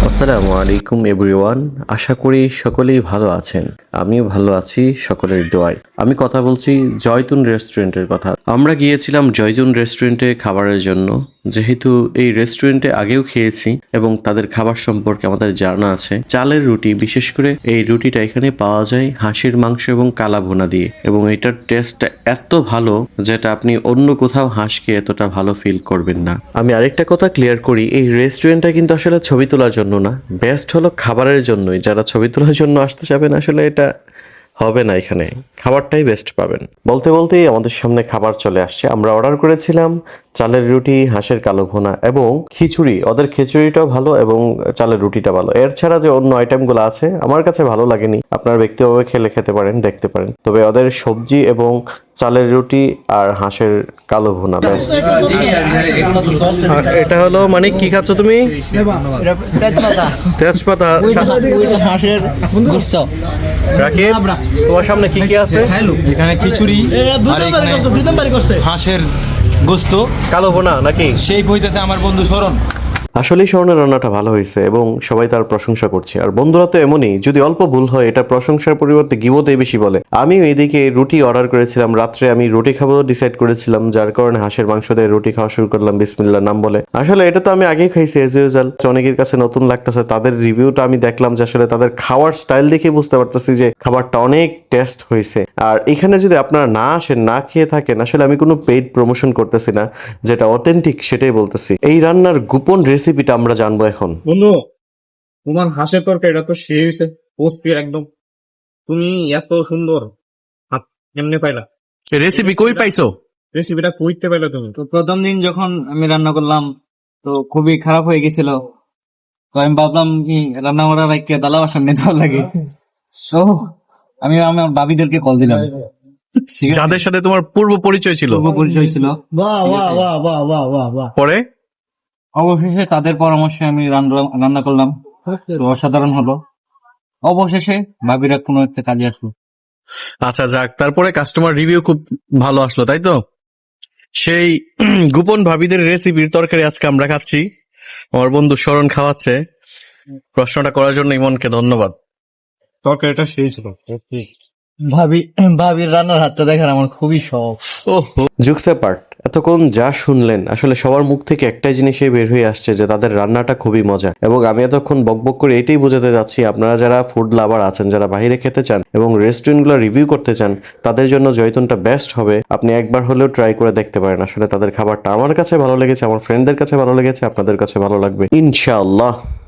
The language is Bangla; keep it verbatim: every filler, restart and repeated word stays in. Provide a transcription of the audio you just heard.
আসসালামু আলাইকুম এভরিওয়ান। আশা করি সকলেই ভালো আছেন। আমিও ভালো আছি সকলের দোয়ায়। আমি কথা বলছি জয়তুন রেস্টুরেন্টের কথা। আমরা গিয়েছিলাম জয়তুন রেস্টুরেন্টে খাবারের জন্য, যেহেতু এই রেস্টুরেন্টে আগেও খেয়েছি এবং তাদের খাবার সম্পর্কে আমাদের জানা আছে। চালের রুটি, বিশেষ করে এই রুটিটা এখানে পাওয়া যায় হাঁসের মাংস এবং কালা ভুনা দিয়ে, এবং এটার টেস্টটা এত ভালো যেটা আপনি অন্য কোথাও হাঁস খেয়ে এতটা ভালো ফিল করবেন না। আমি আরেকটা কথা ক্লিয়ার করি, এই রেস্টুরেন্টটা কিন্তু আসলে ছবি তোলার জন্য না, বেস্ট হলো খাবারের জন্যই। যারা ছবি তোলার জন্য আসতে চাবেন আসলে এটা হবে না, এখানে খাবারটাই বেস্ট পাবেন। বলতে বলতেই আমাদের সামনে খাবার চলে আসছে। আমরা অর্ডার করেছিলাম চালের রুটি, হাঁসের কালো ভুনা এবং খিচুড়ি। ওদের খিচুড়িটাও ভালো এবং চালের রুটিটা ভালো। এর ছাড়া যে অন্য আইটেমগুলো আছে আমার কাছে ভালো লাগেনি। আপনারা ব্যক্তিগতভাবে খেলে খেতে পারেন, দেখতে পারেন। তবে ওদের সবজি এবং চালের রুটি আর হাঁসের কালো ভুনা বেস্ট। আর এটা হলো মানে কি খাচ্ছ তুমি? তেজপাতা, হাঁসের গোস্ত। রাকিব, তোমার সামনে কি কি আছে? এখানে খিচুড়ি আর এখানে হাঁসের গোস্ত, কালো ভুনা নাকি? সেই বইতেছে আমার বন্ধু শরণ। আসলেই স্বর্ণের রান্নাটা ভালো হয়েছে এবং সবাই তার প্রশংসা করছে। আর বন্ধুরা তো এমনই, যদি অল্প ভুল হয় এটা প্রশংসার পরিবর্তে গিবতেই বেশি বলে। আমিও এদিকে রুটি অর্ডার করেছিলাম, রাত্রে আমি রুটি খাবো ডিসাইড করেছিলাম, যার কারণে হাঁসের মাংস দিয়ে রুটি খাওয়া শুরু করলাম বিসমিল্লাহ নাম বলে। আসলে এটা তো আমি আগেই খাইছি এজ ইউজুয়াল, অনেকের কাছে নতুন লাগতেছে। তাদের রিভিউটা আমি দেখলাম যে আসলে তাদের খাওয়ার স্টাইল দেখে বুঝতে পারতেছি যে খাবারটা অনেক টেস্ট হয়েছে। আর এখানে যদি আপনারা না আসেন, না খেয়ে থাকেন, আসলে আমি কোনো পেইড প্রমোশন করতেছি না, যেটা অথেন্টিক সেটাই বলতেছি। এই রান্নার গোপন রেসিপিটা আমরা জানবো এখন। বন্ধু, তোমার হাঁসের তরকারি এটা তো সেই হয়েছে, পোস্টের একদম। তুমি এত সুন্দর হাত কেমনে পাইলা? রেসিপি কই পাইছো? রেসিপিটা কইতে পাইলা তুমি? তো প্রথম দিন যখন আমি রান্না করলাম তো খুবই খারাপ হয়ে গেছিল। তো আমি ভাবলাম কি রান্না করার রাখতে দালা সামনে দেওয়া লাগে। তো আমি আমার ভাবিদেরকে কল দিলাম, ঠিক আছে? যাদের সাথে তোমার পূর্ব পরিচয় ছিল, পূর্ব পরিচয় ছিল। বাহ বাহ বাহ বাহ বাহ বাহ বাহ। পরে অবশেষে তাদের পরামর্শে আমি রান্না- রান্না করলাম, তো অসাধারণ হলো। অবশেষে ভাবিরা কোনো একটা কাজে আসলো। আচ্ছা যাক, তারপরে কাস্টমার রিভিউ খুব ভালো আসলো, তাই তো? সেই গোপন ভাবিদের রেসিপির তরকারি আজকে আমরা খাচ্ছি। আমার বন্ধু শরণ খাওয়াচ্ছে। প্রশ্নটা করার জন্য ইমনকে ধন্যবাদ। তরকারিটা সেই ছিল। ভাবি ভাবির রান্নার হাতটা দেখার আমার খুবই শখ। ওহো, জুকসে পার্ট, এতক্ষণ যা শুনলেন আসলে সবার মুখ থেকে একটাই জিনিসই বের হয়ে আসছে যে তাদের রান্নাটা খুবই মজা। এবং আমি এতক্ষণ বকবক করে এটাই বোঝাতে যাচ্ছি, আপনারা যারা ফুড লাভার আছেন, যারা বাইরে খেতে চান এবং রেস্টুরেন্টগুলো রিভিউ করতে চান, তাদের জন্য জয়তুনটা বেস্ট হবে। আপনি একবার হলেও ট্রাই করে দেখতে পারেন। আসলে তাদের খাবারটা আমার কাছে ভালো লেগেছে, আমার ফ্রেন্ডদের কাছে ভালো লেগেছে, আপনাদের কাছে ভালো লাগবে ইনশাআল্লাহ।